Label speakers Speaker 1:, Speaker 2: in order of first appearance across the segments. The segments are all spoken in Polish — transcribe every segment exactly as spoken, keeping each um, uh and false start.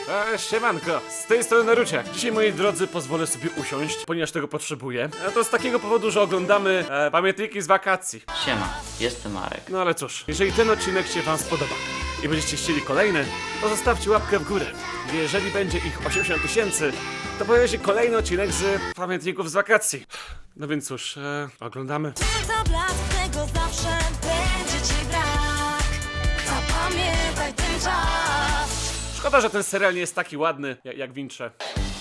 Speaker 1: E, siemanko, z tej strony Naruciak. Dzisiaj, moi drodzy, pozwolę sobie usiąść, ponieważ tego potrzebuję. A to z takiego powodu, że oglądamy e, pamiętniki z wakacji.
Speaker 2: Siema, jestem Marek.
Speaker 1: No ale cóż, jeżeli ten odcinek się wam spodoba i będziecie chcieli kolejny, to zostawcie łapkę w górę. Jeżeli będzie ich osiemdziesiąt tysięcy, to pojawi się kolejny odcinek z pamiętników z wakacji. No więc cóż, e, oglądamy.
Speaker 3: Kilka blat, tego zawsze będzie ci brak. Zapamiętaj ten czas.
Speaker 1: Szkoda, że ten serial nie jest taki ładny jak, jak Wincze.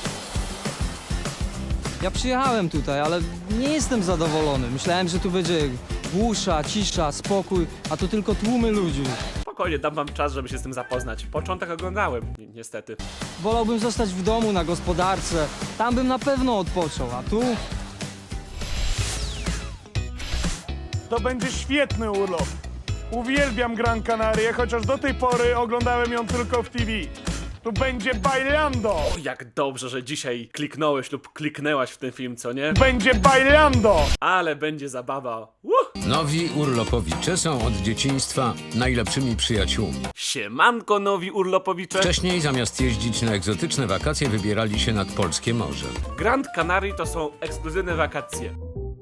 Speaker 4: Ja przyjechałem tutaj, ale nie jestem zadowolony. Myślałem, że tu będzie głusza, cisza, spokój, a tu tylko tłumy ludzi.
Speaker 1: Spokojnie, dam wam czas, żeby się z tym zapoznać. Początek oglądałem, ni niestety.
Speaker 4: Wolałbym zostać w domu, na gospodarce. Tam bym na pewno odpoczął, a tu...
Speaker 5: To będzie świetny urlop. Uwielbiam Gran Canaria, chociaż do tej pory oglądałem ją tylko w T V. Tu będzie bailando!
Speaker 1: O, jak dobrze, że dzisiaj kliknąłeś lub kliknęłaś w ten film, co nie?
Speaker 5: Będzie bailando!
Speaker 1: Ale będzie zabawa. Uh!
Speaker 6: Nowi urlopowicze są od dzieciństwa najlepszymi przyjaciółmi.
Speaker 1: Siemanko, nowi urlopowicze.
Speaker 6: Wcześniej zamiast jeździć na egzotyczne wakacje wybierali się nad polskie morze.
Speaker 1: Grand Canary to są ekskluzywne wakacje.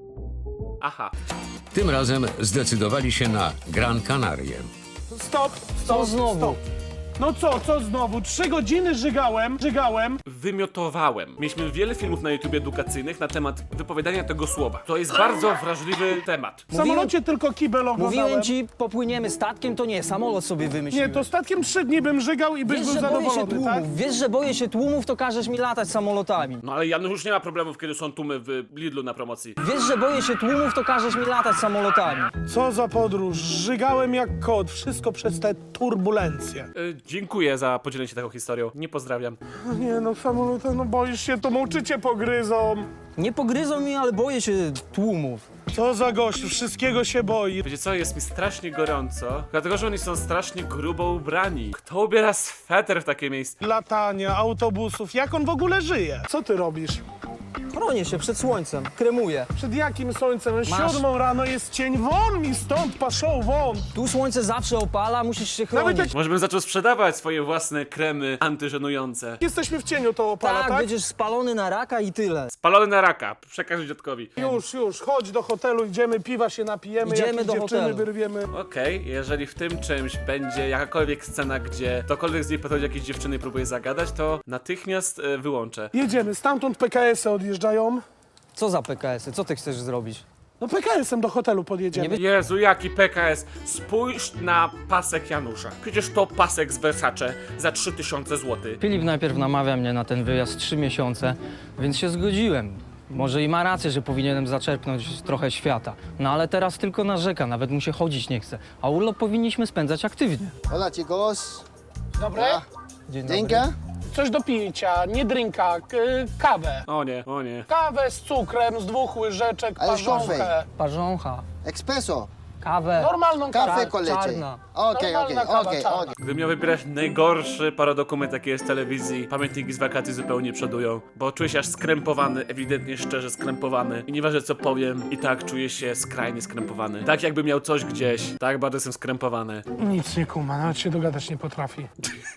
Speaker 1: Aha.
Speaker 6: Tym razem zdecydowali się na Gran Canarię.
Speaker 5: Stop,
Speaker 4: Co
Speaker 5: stop,
Speaker 4: znowu?
Speaker 5: stop. No co, co znowu? Trzy godziny żygałem, żygałem.
Speaker 1: Wymiotowałem. Mieliśmy wiele filmów na YouTube edukacyjnych na temat wypowiadania tego słowa. To jest bardzo wrażliwy temat.
Speaker 5: W samolocie tylko kibel oglądałem.
Speaker 4: Mówiłem ci, popłyniemy statkiem, to nie, samolot sobie wymyśliłem.
Speaker 5: Nie, to statkiem trzy dni bym żygał i byś
Speaker 4: Wiesz,
Speaker 5: był
Speaker 4: że boję się
Speaker 5: zadowolony,
Speaker 4: tłumów,
Speaker 5: tak?
Speaker 4: wiesz, że boję się tłumów, to każesz mi latać samolotami.
Speaker 1: No ale Janusz już nie ma problemów, kiedy są tłumy w Lidlu na promocji.
Speaker 4: Wiesz, że boję się tłumów, to każesz mi latać samolotami.
Speaker 5: Co za podróż, żygałem jak kot, wszystko przez te turbulencje.
Speaker 1: Y, dziękuję za podzielenie się taką historią. Nie pozdrawiam.
Speaker 5: No nie no, samolota, no boisz się, to mączycie pogryzą.
Speaker 4: Nie pogryzą mi, ale boję się tłumów.
Speaker 5: Co za gościu, wszystkiego się boi.
Speaker 1: Wiecie co, jest mi strasznie gorąco, dlatego że oni są strasznie grubo ubrani. Kto ubiera sweter w takie miejsce?
Speaker 5: Latania, autobusów, jak on w ogóle żyje? Co ty robisz?
Speaker 4: Chronię się przed słońcem, kremuję.
Speaker 5: Przed jakim słońcem?
Speaker 4: Masz-
Speaker 5: Siódmą rano jest cień, won mi stąd, paszą, won!
Speaker 4: Tu słońce zawsze opala, musisz się
Speaker 5: Nawet
Speaker 4: chronić.
Speaker 5: jak
Speaker 1: Może bym zaczął sprzedawać swoje własne kremy antyżenujące.
Speaker 5: jesteśmy w cieniu, to opala,
Speaker 4: Tak,
Speaker 5: tak?
Speaker 4: będziesz spalony na raka i tyle.
Speaker 1: Spalony na raka, przekaż dziadkowi.
Speaker 5: Już, już, chodź do hotelu, idziemy, piwa się napijemy,
Speaker 4: Idziemy
Speaker 5: jakieś
Speaker 4: do
Speaker 5: dziewczyny
Speaker 4: hotelu.
Speaker 5: wyrwiemy.
Speaker 1: Okej, jeżeli w tym czymś będzie jakakolwiek scena, gdzie ktokolwiek z niej podchodzi jakieś dziewczyny i próbuje zagadać, to natychmiast e, wyłączę.
Speaker 5: Jedziemy, stamtąd P K S-y odjeżdżają.
Speaker 4: Co za P K S-y? Co ty chcesz zrobić?
Speaker 5: No P K S-em do hotelu podjedziemy.
Speaker 4: Nie
Speaker 1: Jezu, jaki P K S! Spójrz na pasek Janusza. Przecież to pasek z Versace za trzy tysiące złotych.
Speaker 4: Filip najpierw namawia mnie na ten wyjazd trzy miesiące, więc się zgodziłem. Może i ma rację, że powinienem zaczerpnąć trochę świata. No ale teraz tylko narzeka, nawet mu się chodzić nie chce. A urlop powinniśmy spędzać aktywnie.
Speaker 7: Hola chicos.
Speaker 5: Dobre?
Speaker 4: Dzień dobry.
Speaker 7: Drinka?
Speaker 5: Coś do picia, nie drinka, k- kawę.
Speaker 1: O nie, o nie.
Speaker 5: Kawę z cukrem, z dwóch łyżeczek,
Speaker 7: Ale
Speaker 5: parzonkę.
Speaker 4: Parzącha,
Speaker 7: Espresso.
Speaker 4: kawę.
Speaker 5: Normalną kawę.
Speaker 7: Café con leche.
Speaker 4: czarna.
Speaker 7: Okej, okej,
Speaker 5: Normalna kawa
Speaker 7: okej,
Speaker 5: czarna.
Speaker 7: okej.
Speaker 1: Gdybym miał wybierać najgorszy paradokument, jaki jest w telewizji, pamiętniki z wakacji zupełnie przodują, bo czuję się aż skrępowany, ewidentnie szczerze skrępowany. I nieważne co powiem, i tak czuję się skrajnie skrępowany. Tak jakby miał coś gdzieś, tak bardzo jestem skrępowany.
Speaker 5: Nic nie kuma, nawet się dogadać nie potrafi.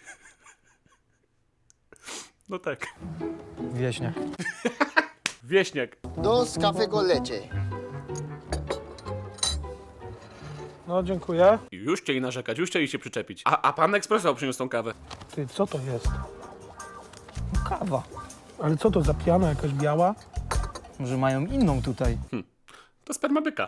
Speaker 1: No tak.
Speaker 4: Wieśniak.
Speaker 1: Wieśniak.
Speaker 7: Dos café con leche.
Speaker 5: No, dziękuję.
Speaker 1: Już chcieli narzekać, już chcieli się przyczepić. A, a pan ekspresowo przyniósł tą kawę.
Speaker 5: Ty, co to jest?
Speaker 4: Kawa.
Speaker 5: Ale co to za piana jakaś biała?
Speaker 4: Może mają inną tutaj.
Speaker 1: To sperma byka.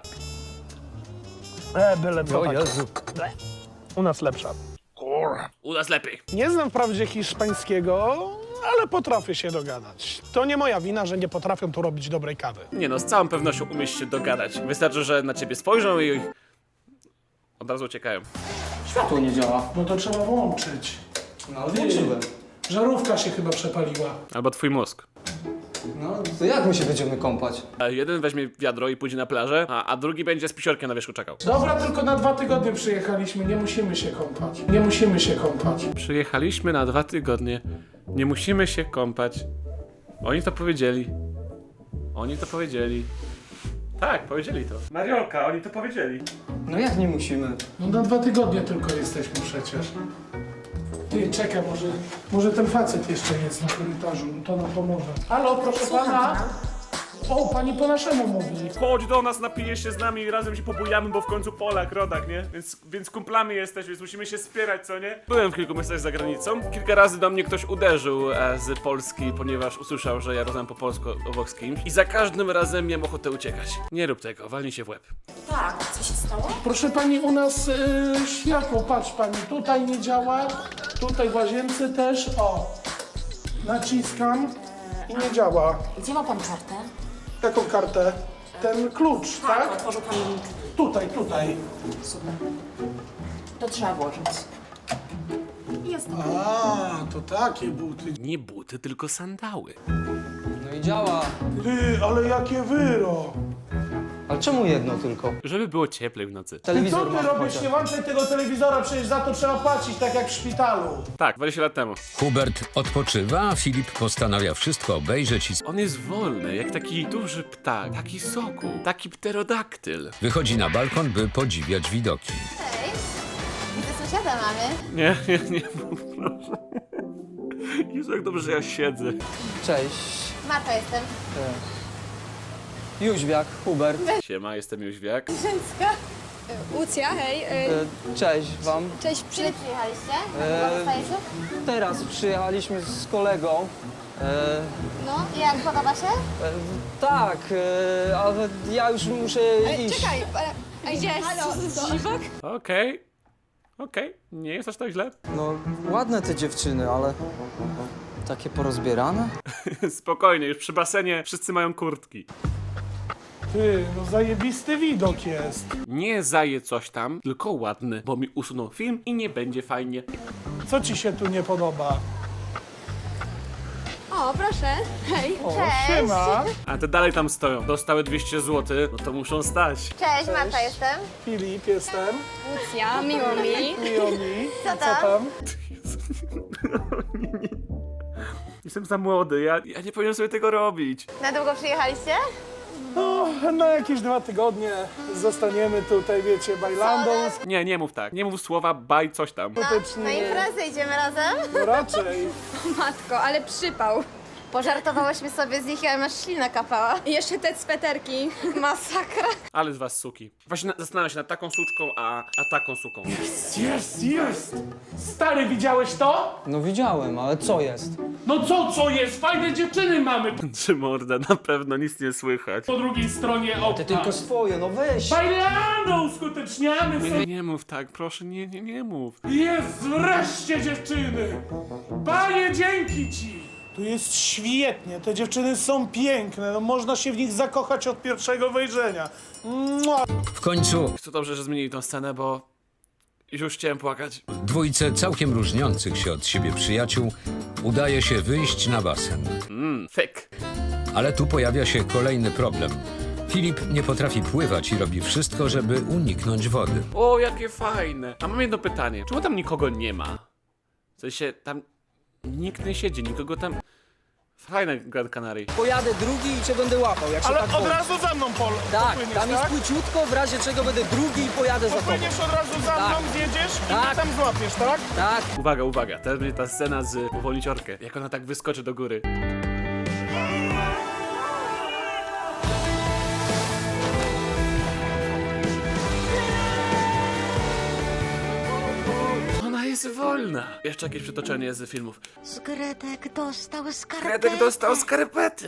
Speaker 5: E, byle co tak.
Speaker 4: Jezu.
Speaker 5: U nas lepsza.
Speaker 1: U nas lepiej.
Speaker 5: Nie znam wprawdzie hiszpańskiego, ale potrafię się dogadać. To nie moja wina, że nie potrafią tu robić dobrej kawy.
Speaker 1: Nie no, z całą pewnością umiesz się dogadać. Wystarczy, że na ciebie spojrzą i od razu uciekają.
Speaker 4: Światło nie działa.
Speaker 5: No to trzeba włączyć.
Speaker 4: No ale włączyłem.
Speaker 5: Żarówka się chyba przepaliła.
Speaker 1: Albo twój mózg.
Speaker 4: No to jak my się będziemy kąpać?
Speaker 1: A jeden weźmie wiadro i pójdzie na plażę, a, a drugi będzie z pisiorkiem na wierzchu czekał.
Speaker 5: Dobra, tylko na dwa tygodnie przyjechaliśmy, nie musimy się kąpać. Nie musimy się kąpać.
Speaker 1: Przyjechaliśmy na dwa tygodnie. Nie musimy się kąpać. Oni to powiedzieli. Oni to powiedzieli. Tak, powiedzieli to. Mariolka, oni to powiedzieli.
Speaker 4: No jak nie musimy?
Speaker 5: No na dwa tygodnie tylko jesteśmy przecież. Ty, czekaj, może, może ten facet jeszcze jest na korytarzu, to nam pomoże. Halo, proszę pana? O, pani po naszemu mówi.
Speaker 1: Chodź do nas, napijesz się z nami i razem się pobujamy, bo w końcu Polak, rodak, nie? Więc, więc kumplami jesteś, więc musimy się wspierać, co nie? Byłem w kilku miejscach za granicą. Kilka razy do mnie ktoś uderzył e, z Polski, ponieważ usłyszał, że ja rozmawiam po polsku obok z kimś. I za każdym razem miałem ochotę uciekać. Nie rób tego, walnij się w łeb.
Speaker 2: Tak, co się stało?
Speaker 5: Proszę pani, u nas y, światło, patrz pani, tutaj nie działa, tutaj w łazience też, o. Naciskam i nie działa.
Speaker 2: Gdzie ma pan kartę?
Speaker 5: Jaką kartę? Ten klucz, tak?
Speaker 2: Otworzył pan link.
Speaker 5: Tutaj, tutaj.
Speaker 2: Super. To trzeba włożyć. Jest.
Speaker 5: A, to takie buty.
Speaker 1: Nie buty, tylko sandały.
Speaker 4: No i działa.
Speaker 5: Ty, ale jakie wyro.
Speaker 4: Ale czemu jedno tylko?
Speaker 1: Żeby było cieplej w nocy.
Speaker 5: Ty, co
Speaker 4: Telewizor
Speaker 5: ty
Speaker 4: mam
Speaker 5: robisz?
Speaker 4: chociaż.
Speaker 5: Nie włączaj tego telewizora, przecież za to trzeba płacić, tak jak w szpitalu.
Speaker 1: Tak, dwadzieścia lat temu.
Speaker 6: Hubert odpoczywa, a Filip postanawia wszystko obejrzeć i
Speaker 1: On jest wolny, jak taki duży ptak, taki sokół, taki pterodaktyl.
Speaker 6: wychodzi na balkon, by podziwiać widoki.
Speaker 8: Widzę sąsiada mamy.
Speaker 1: Nie, nie, nie mów, proszę. Jezu, jak dobrze, że ja siedzę.
Speaker 4: Cześć.
Speaker 8: Marta jestem.
Speaker 4: Jóźwiak, Hubert.
Speaker 1: Siema, jestem Jóźwiak.
Speaker 9: Łucja, hej.
Speaker 4: E,
Speaker 9: Y,
Speaker 4: Cześć wam.
Speaker 9: cześć, przy...
Speaker 8: Kiedy przyjechaliście?
Speaker 4: Eee.
Speaker 8: Eee. Zostajecie?
Speaker 4: Teraz przyjechaliśmy z kolegą. E,
Speaker 8: No. I jak podoba się?
Speaker 4: e, tak, e, ale ja już muszę iść.
Speaker 9: Czekaj, a gdzie jest dziwak?
Speaker 1: Okej, okej, nie jest aż tak źle.
Speaker 4: No, ładne te dziewczyny, ale takie porozbierane.
Speaker 1: Spokojnie, już przy basenie wszyscy mają kurtki.
Speaker 5: Ty, no zajebisty widok jest.
Speaker 1: Nie zaje coś tam, tylko ładny, bo mi usunął film i nie będzie fajnie.
Speaker 5: Co ci się tu nie podoba?
Speaker 9: O, proszę. Hej.
Speaker 5: O,
Speaker 8: Cześć.
Speaker 5: siema.
Speaker 1: A te dalej tam stoją. Dostały dwieście złotych, no to muszą stać.
Speaker 8: Cześć, Marta jestem.
Speaker 5: Filip jestem.
Speaker 9: Łucja, miło mi.
Speaker 5: Miło mi.
Speaker 8: Co
Speaker 5: Co
Speaker 8: tam?
Speaker 5: tam?
Speaker 1: Jestem za młody, ja, ja nie powinienem sobie tego robić.
Speaker 8: Na długo przyjechaliście?
Speaker 5: No, na jakieś dwa tygodnie zostaniemy tutaj, wiecie, bajlandą.
Speaker 1: Nie, nie mów tak. Nie mów słowa baj coś tam.
Speaker 5: Skutecznie.
Speaker 8: Na imprezę idziemy razem?
Speaker 5: No raczej.
Speaker 9: Matko, ale przypał.
Speaker 8: Pożartowałyśmy sobie z nich, ale masz ślina kapała.
Speaker 9: I jeszcze te sweterki.
Speaker 8: Masakra.
Speaker 1: Ale z was suki. Właśnie na, zastanawiam się nad taką suczką, a, a taką suką.
Speaker 5: Jest, jest! Stary, widziałeś to?
Speaker 4: No widziałem, ale co jest?
Speaker 5: No co, co jest? Fajne dziewczyny mamy
Speaker 1: Czy morda, na pewno nic nie słychać.
Speaker 5: po drugiej stronie
Speaker 4: Ty
Speaker 5: okna.
Speaker 4: tylko swoje, no weź.
Speaker 5: Bajlandą uskuteczniamy
Speaker 1: Nie,
Speaker 5: sobie.
Speaker 1: nie, nie mów tak, proszę, nie, nie, nie mów.
Speaker 5: Jest wreszcie dziewczyny! Panie, dzięki ci! Tu jest świetnie, te dziewczyny są piękne, no można się w nich zakochać od pierwszego wejrzenia. Mua.
Speaker 6: W końcu
Speaker 1: Co dobrze, że zmienili tą scenę, bo już chciałem płakać.
Speaker 6: dwójce całkiem różniących się od siebie przyjaciół udaje się wyjść na basen.
Speaker 1: Mmm, fake.
Speaker 6: Ale tu pojawia się kolejny problem. Filip nie potrafi pływać i robi wszystko, żeby uniknąć wody.
Speaker 1: O, jakie fajne. A mam jedno pytanie. Czemu tam nikogo nie ma? W sensie, tam nikt nie siedzi, nikogo tam... Fajne Gran Canaria.
Speaker 4: Pojadę drugi i cię będę łapał, jak się
Speaker 5: Ale
Speaker 4: tak
Speaker 5: od
Speaker 4: boi.
Speaker 5: razu za mną, Pol.
Speaker 4: Tak,
Speaker 5: popłyniesz,
Speaker 4: tam jest
Speaker 5: tak?
Speaker 4: płyciutko, w razie czego będę drugi i pojadę za tobą.
Speaker 5: Popłyniesz od razu za mną,
Speaker 4: Tak.
Speaker 5: zjedziesz i
Speaker 4: Tak.
Speaker 5: mnie tam złapiesz, tak?
Speaker 4: Tak.
Speaker 1: Uwaga, uwaga, teraz będzie ta scena z uwolniciorkę. Jak ona tak wyskoczy do góry. Ona jest wolna. Jeszcze jakieś przytoczenie z filmów.
Speaker 3: Skredek dostał skarpetę.
Speaker 1: Fredek dostał skarpety.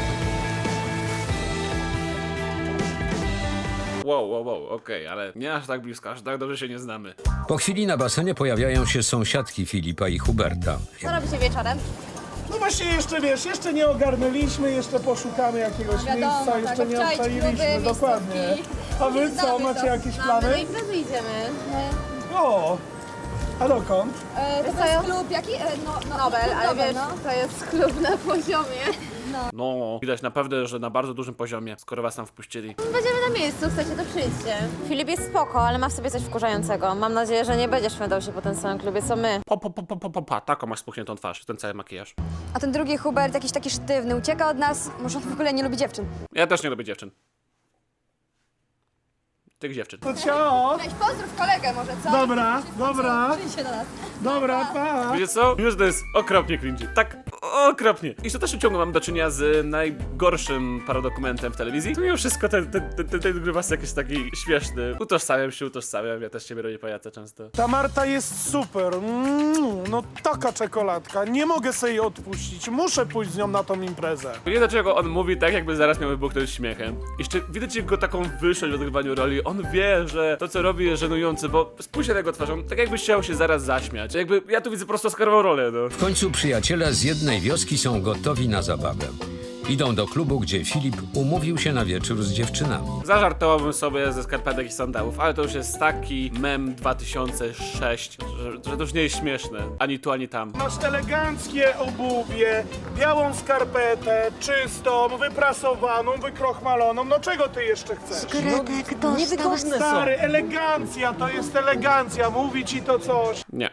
Speaker 1: Wow, wow, wow, okej, ale nie aż tak blisko, aż tak dobrze się nie znamy.
Speaker 6: Po chwili na basenie pojawiają się sąsiadki Filipa i Huberta.
Speaker 8: Co robicie wieczorem?
Speaker 5: No właśnie jeszcze, wiesz, jeszcze nie ogarnęliśmy, jeszcze poszukamy jakiegoś
Speaker 9: wiadomo,
Speaker 5: miejsca,
Speaker 9: tak,
Speaker 5: jeszcze nie
Speaker 9: obczaić
Speaker 5: obczaliliśmy,
Speaker 9: kluby,
Speaker 5: dokładnie.
Speaker 9: miejscówki.
Speaker 5: A wy co,
Speaker 9: Znamy
Speaker 5: macie
Speaker 9: to.
Speaker 5: jakieś
Speaker 8: Do
Speaker 5: plany?
Speaker 8: imprezy idziemy.
Speaker 5: O, a dokąd?
Speaker 9: E, to
Speaker 8: co ja-
Speaker 9: jest klub jaki? E, no, no,
Speaker 8: Nobel,
Speaker 9: klub
Speaker 8: ale
Speaker 9: Nobel,
Speaker 8: wiesz,
Speaker 9: no.
Speaker 8: to jest klub na poziomie.
Speaker 1: No, widać naprawdę, że na bardzo dużym poziomie, skoro was tam wpuścili.
Speaker 8: Będziemy na miejscu, chcecie, to przyjdźcie. Filip jest spoko, ale ma w sobie coś wkurzającego. Mam nadzieję, że nie będziesz szwendał się po tym samym klubie, co my.
Speaker 1: Po, po, po, po, po, po, po, taką masz spuchniętą twarz, ten cały makijaż.
Speaker 9: A ten drugi Hubert jakiś taki sztywny, ucieka od nas. Może on w ogóle nie lubi dziewczyn.
Speaker 1: Ja też nie lubię dziewczyn. tych dziewczyn.
Speaker 5: To ciao.
Speaker 9: Weź pozdrów kolegę może, co?
Speaker 5: Dobra, dobra,
Speaker 9: Przyjdź się do nas.
Speaker 5: dobra, pa.
Speaker 1: Wiecie co? Już to jest okropnie cringy. Tak okropnie. I w dalszym ciągu mam do czynienia z najgorszym paradokumentem w telewizji. To mimo wszystko ten, ten, ten, ten, ten grubasek jest jakiś taki śmieszny. Utożsamiam się, utożsamiam. Ja też ciebie robię pajaca często.
Speaker 5: Ta Marta jest super. Mm, no taka czekoladka. Nie mogę sobie jej odpuścić. Muszę pójść z nią na tą imprezę.
Speaker 1: Nie wiem dlaczego on mówi tak, jakby zaraz miał wybuchnąć śmiechem. Jeszcze widać jego taką wyższość w odgrywaniu roli. On wie, że to co robi jest żenujące, bo spójrzcie na jego twarzą, tak jakby chciał się zaraz zaśmiać. Jakby ja tu widzę po prostu oscarową rolę, no.
Speaker 6: W końcu przyjaciele z jednej wioski są gotowi na zabawę. Idą do klubu, gdzie Filip umówił się na wieczór z dziewczynami.
Speaker 1: Zażartowałbym sobie ze skarpetek i sandałów, ale to już jest taki mem dwa tysiące szósty, że, że to już nie jest śmieszne. Ani tu, ani tam.
Speaker 5: Masz eleganckie obuwie, białą skarpetę, czystą, wyprasowaną, wykrochmaloną. No czego ty jeszcze chcesz?
Speaker 3: Gretek dostał
Speaker 5: Stary, elegancja, to jest elegancja. Mówi ci to coś.
Speaker 1: Nie.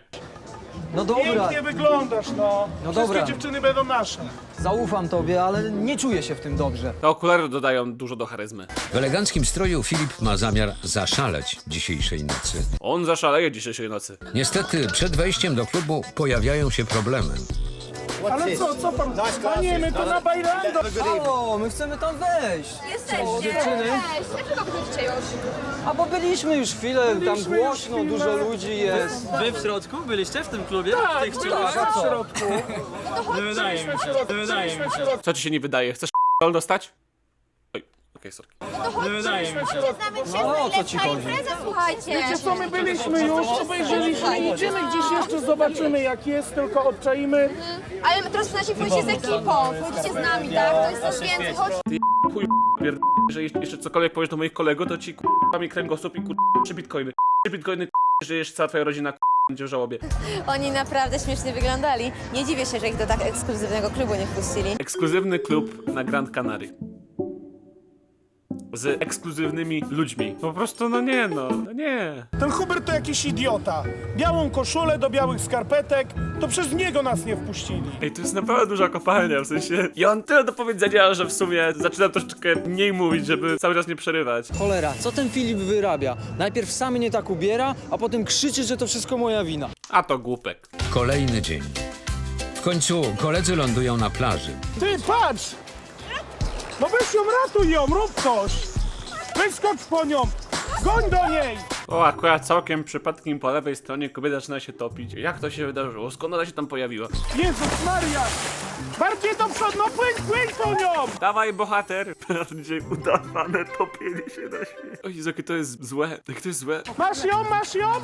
Speaker 4: No dobra,
Speaker 5: Pięknie wyglądasz, no.
Speaker 4: No
Speaker 5: Wszystkie
Speaker 4: dobra.
Speaker 5: dziewczyny będą nasze.
Speaker 4: zaufam tobie, ale nie czuję się w tym dobrze.
Speaker 1: Te okulary dodają dużo do charyzmy.
Speaker 6: W eleganckim stroju Filip ma zamiar zaszaleć dzisiejszej nocy.
Speaker 1: On zaszaleje dzisiejszej nocy.
Speaker 6: Niestety przed wejściem do klubu pojawiają się problemy.
Speaker 5: Ale co, co pan? Panie, my to na bajlando.
Speaker 4: O, my chcemy tam wejść.
Speaker 9: Jesteście.
Speaker 4: O, dziewczyny.
Speaker 9: Cześć. Dlaczego wychodzicie już?
Speaker 4: A bo byliśmy już chwilę, tam
Speaker 5: Byliśmy już
Speaker 4: głośno,
Speaker 5: chwilę.
Speaker 4: dużo ludzi jest.
Speaker 10: Wy w środku byliście w tym klubie?
Speaker 5: Tak,
Speaker 10: Tych
Speaker 5: byliśmy
Speaker 4: a
Speaker 5: w
Speaker 4: co?
Speaker 5: środku.
Speaker 10: Nie wydaje mi się, nie wydaje mi się.
Speaker 1: Co ci się nie wydaje? Chcesz k***ol dostać? Oj, okej, sorry.
Speaker 10: Nie wydaje mi się.
Speaker 4: No o co ci chodzi?
Speaker 9: Słuchajcie.
Speaker 5: Wiecie co, my byliśmy już, obejrzeliśmy, idziemy gdzieś jeszcze, zobaczymy jak jest, tylko obczaimy.
Speaker 9: Ale teraz przynajmniej pójdziecie z ekipą. Pójdziecie z nami, tak? To jest coś więcej. Chodź.
Speaker 1: Chuj pierd... że jeszcze cokolwiek powiesz do moich kolegów, to ci k***a mi kręgosłup i k***a trzy bitcoiny. Trzy bitcoiny k***a, że jeszcze cała twoja rodzina k***a będzie w żałobie.
Speaker 8: Oni naprawdę śmiesznie wyglądali. Nie dziwię się, że ich do tak ekskluzywnego klubu nie wpuścili.
Speaker 1: Ekskluzywny klub na Grand Canary. Z ekskluzywnymi ludźmi. Po prostu, no nie no, no nie.
Speaker 5: Ten Hubert to jakiś idiota. Białą koszulę do białych skarpetek, to przez niego nas nie wpuścili.
Speaker 1: Ej, to jest naprawdę duża kopalnia, w sensie... Ja mam tyle do powiedzenia, że w sumie zaczynam troszeczkę mniej mówić, żeby cały czas nie przerywać.
Speaker 4: Cholera, co ten Filip wyrabia? Najpierw sam mnie tak ubiera, a potem krzyczy, że to wszystko moja wina.
Speaker 1: A to głupek.
Speaker 6: Kolejny dzień. W końcu koledzy lądują na plaży.
Speaker 5: Ty, patrz! No weź ją, ratuj ją, rób coś! Wyskocz po nią! Goń do niej!
Speaker 1: O, akurat całkiem przypadkiem po lewej stronie kobieta zaczyna się topić. Jak to się wydarzyło? Skąd ona się tam pojawiła?
Speaker 5: Jezus Maria! Bardziej do przodu, no płyń, płyń po nią!
Speaker 1: Dawaj, bohater! Dzisiaj udawane topienie się na śmierć. O Jezu, jakie to jest złe. Jak to jest złe.
Speaker 5: Masz ją, masz ją!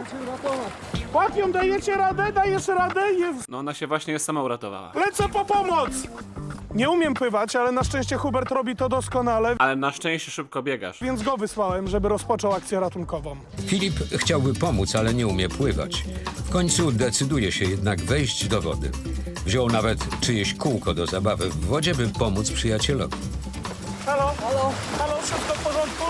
Speaker 5: Łap ją, dajecie radę, dajesz radę? Jezus.
Speaker 1: No ona się właśnie sama uratowała.
Speaker 5: Lecę po pomoc! Nie umiem pływać, ale na szczęście Hubert robi to doskonale,
Speaker 1: Ale na szczęście szybko biegasz.
Speaker 5: więc go wysłałem, żeby rozpoczął akcję ratunkową.
Speaker 6: Filip chciałby pomóc, ale nie umie pływać. W końcu decyduje się jednak wejść do wody. Wziął nawet czyjeś kółko do zabawy w wodzie, by pomóc przyjacielowi.
Speaker 5: Halo? Halo? Halo, wszystko w porządku?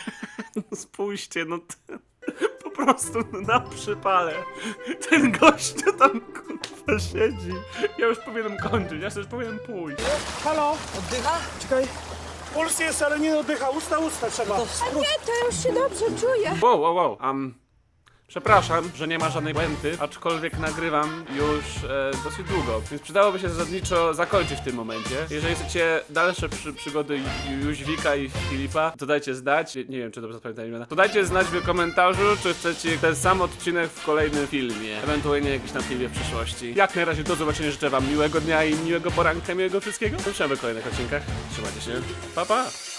Speaker 1: Spójrzcie, no t- po prostu na przypale. Ten gościu tam kurwa siedzi. Ja już powinienem kończyć, ja już powinienem pójść.
Speaker 5: Halo?
Speaker 4: Oddycha? Czekaj.
Speaker 5: Puls jest, ale nie oddycha. Usta, usta trzeba.
Speaker 9: Nie, to już się dobrze czuję.
Speaker 1: Wow, wow, wow. Um, przepraszam, że nie ma żadnej puenty, aczkolwiek nagrywam już e, dosyć długo, więc przydałoby się zasadniczo zakończyć w tym momencie. Jeżeli chcecie dalsze przy, przygody Ju- Jóźwika i Filipa, to dajcie znać, nie, nie wiem czy dobrze zapamiętałem imiona, to dajcie znać w komentarzu, czy chcecie ten sam odcinek w kolejnym filmie, ewentualnie jakiś na filmie w przyszłości. Jak na razie do zobaczenia, życzę wam miłego dnia i miłego poranka, miłego wszystkiego. Zobaczymy w kolejnych odcinkach. Trzymajcie się, pa pa!